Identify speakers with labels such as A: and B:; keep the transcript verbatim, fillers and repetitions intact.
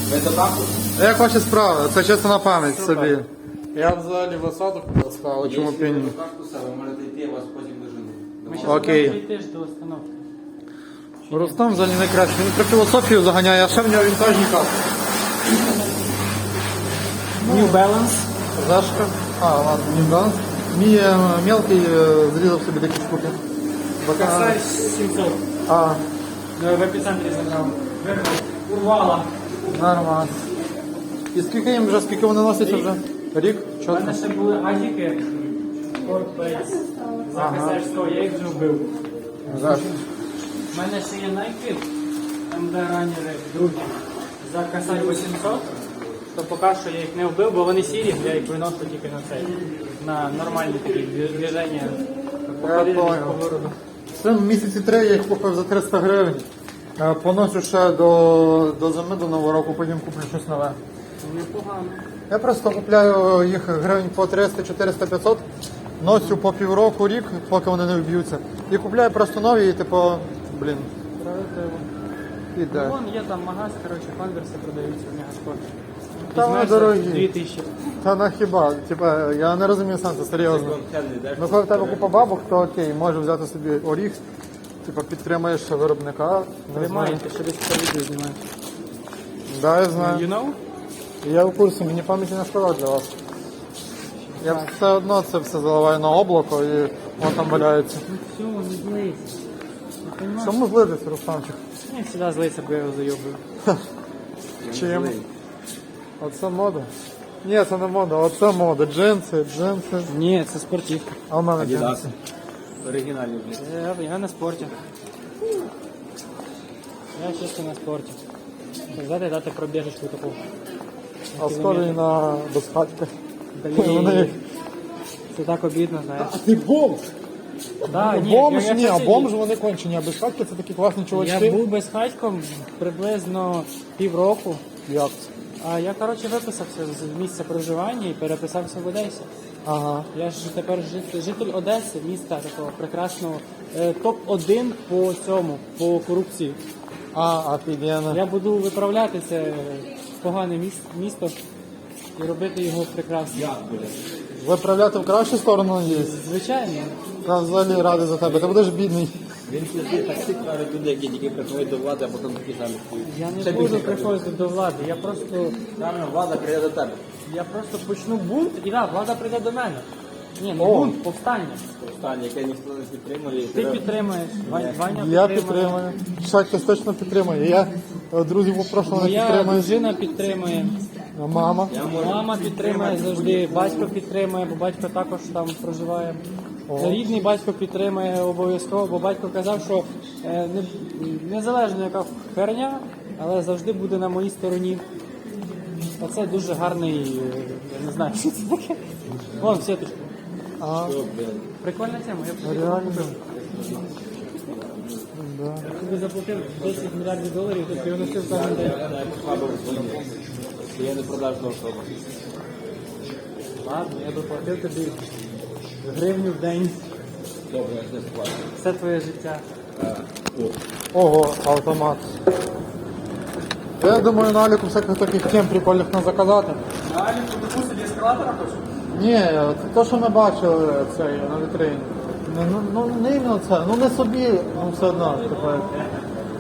A: Ви до баку?
B: Як ваші справи? Це чисто на пам'ять собі. Я взагалі в осаду сказав, чому
A: Якщо ви
B: пені.
A: до кактуса, ви можете йти, я вас потім вижену.
C: Ми зараз
B: Окей.
C: будемо йти ж до установки.
B: Рустам взагалі найкраще. Він про філософію заганяє, а ще в нього вінтажні капки.
C: New Balance.
B: Зашка. А, ладно, не баланс. Мій е, мелкий е, зрізав собі такі штуки. Бака-
C: Косарь сімсот.
B: А,
C: Ну, в епіцентрі забрав. Вирвав. Урвала.
B: нормально. І скільки їм вже, скільки вони носять вже? Рік?
C: У
B: Чотко?
C: мене ще були адіки. Corpbase. За
B: Ага.
C: Косарь сто, я їх вже вбив.
B: Зашка.
C: У мене ще є Nike, ем де ранери, другі. За Косарь вісімсот. То поки що я їх не вбив, бо вони сірі, я їх виношу тільки на цей. На нормальні такі движення. По
B: Я
C: коліні,
B: понял.
C: по городу.
B: Це місяці три я їх купив за триста гривень. Е, Поношу ще до, до зими, до нового року, потім куплю щось нове.
C: Непогано.
B: Я просто купляю їх гривень по триста, чотириста, п'ятсот, носю по півроку, рік, поки вони не вб'ються. І купляю просто нові і типу, блін,
C: Справедливо.
B: іде.
C: Вон є там магаз, коротше, конверси продаються в Мегаспорті.
B: Та вони
C: Візьмеш за
B: дорогі.
C: дві тисячі.
B: Та на хіба, типа, я не розумію сенсу, серйозно. Ну коли в тебе купа бабок, то окей, може взяти собі оріх, типа підтримаєш виробника. Не знаю.
C: Немає, ти ще десь це відео знімаєш.
B: Да, я
C: You
B: знаю.
C: know?
B: Я в курсі, мені пам'яті не шкода для вас. Я все одно це все заливаю на облако і воно там валяється.
C: Ну все, не злися. Не понимаєш?
B: Чому злитися, Русланчик?
C: Я завжди злиться, бо я його зайобую.
B: Чим? Оце мода? Ні, це не мода, оце мода. Джинси, джинси.
C: Ні, це спортивка.
B: А в мене
A: Адідас.
B: джинси.
A: Оригінальні, блін.
C: Я, я на спорті. Я чисто на спорті. Взяти дати пробіжечку таку.
B: А скоро і на безхатька.
C: Блін.
B: Вони-
C: Це так обідно, знаєш.
B: А ти бомж?
C: Да, ні,
B: Бомж,
C: я- я
B: ні, а
C: щось-
B: бомж вони кончені, а безхатьки це такі класні
C: Я
B: чувачки.
C: був безхатьком приблизно півроку.
B: Як це?
C: А я, коротше, виписався з місця проживання і переписався в Одесі.
B: Ага.
C: Я ж тепер жит- житель Одеси, міста такого прекрасного. Е, топ один по цьому, по корупції.
B: А, офігенно.
C: Я буду виправляти це погане міс- місто і робити його прекрасним.
B: Виправляти в кращу сторону є.
C: Звичайно.
B: Я взагалі радий за тебе. Ти будеш бідний.
A: Він сидить таксі каже люди, які тільки приходять до влади, а потім такі самі стоять.
C: Я
A: Ще
C: не буду
A: більше
C: приходити до влади. Я просто,
A: Правильно, влада прийде до тебе.
C: я просто почну бунт і да, влада прийде до мене. Ні, не
B: О.
C: бунт, повстання.
A: Останнє, яке ніхто не підтримує.
C: Ти підтримуєш, Вань- Ваня
B: Я
C: підтримує.
B: підтримую. Шахтес точно підтримує. Я е, друзів попрошу не
C: Моя
B: підтримую.
C: дружина підтримує.
B: Мама.
C: Мама підтримує завжди, батько підтримує, бо батько також там проживає. Рідний батько підтримує обов'язково, бо батько казав, що е, не, незалежно яка херня, але завжди буде на моїй стороні. Оце дуже гарний, е, я не знаю, що це таке. Вон, сіточку.
B: А,
C: Прикольна тема, я б собі
B: реально.
C: купив.
B: Да.
C: Я тобі заплатив десять мільярдів доларів, то ти його носив кожен день.
A: Я не продажна особа.
C: Ладно, я доплатив тобі гривню в день.
A: Добре, я ж не сплачу.
C: Все твоє життя.
B: Ого, автомат. Я думаю, на Аліку всяких таких тем прикольних не заказати.
C: Далі, тобі собі ескалатора хочеш?
B: Ні, це те, що ми бачили цей, на вітрині. Ну, ну, ну не іменно це, ну не собі, ну все одно. Типу,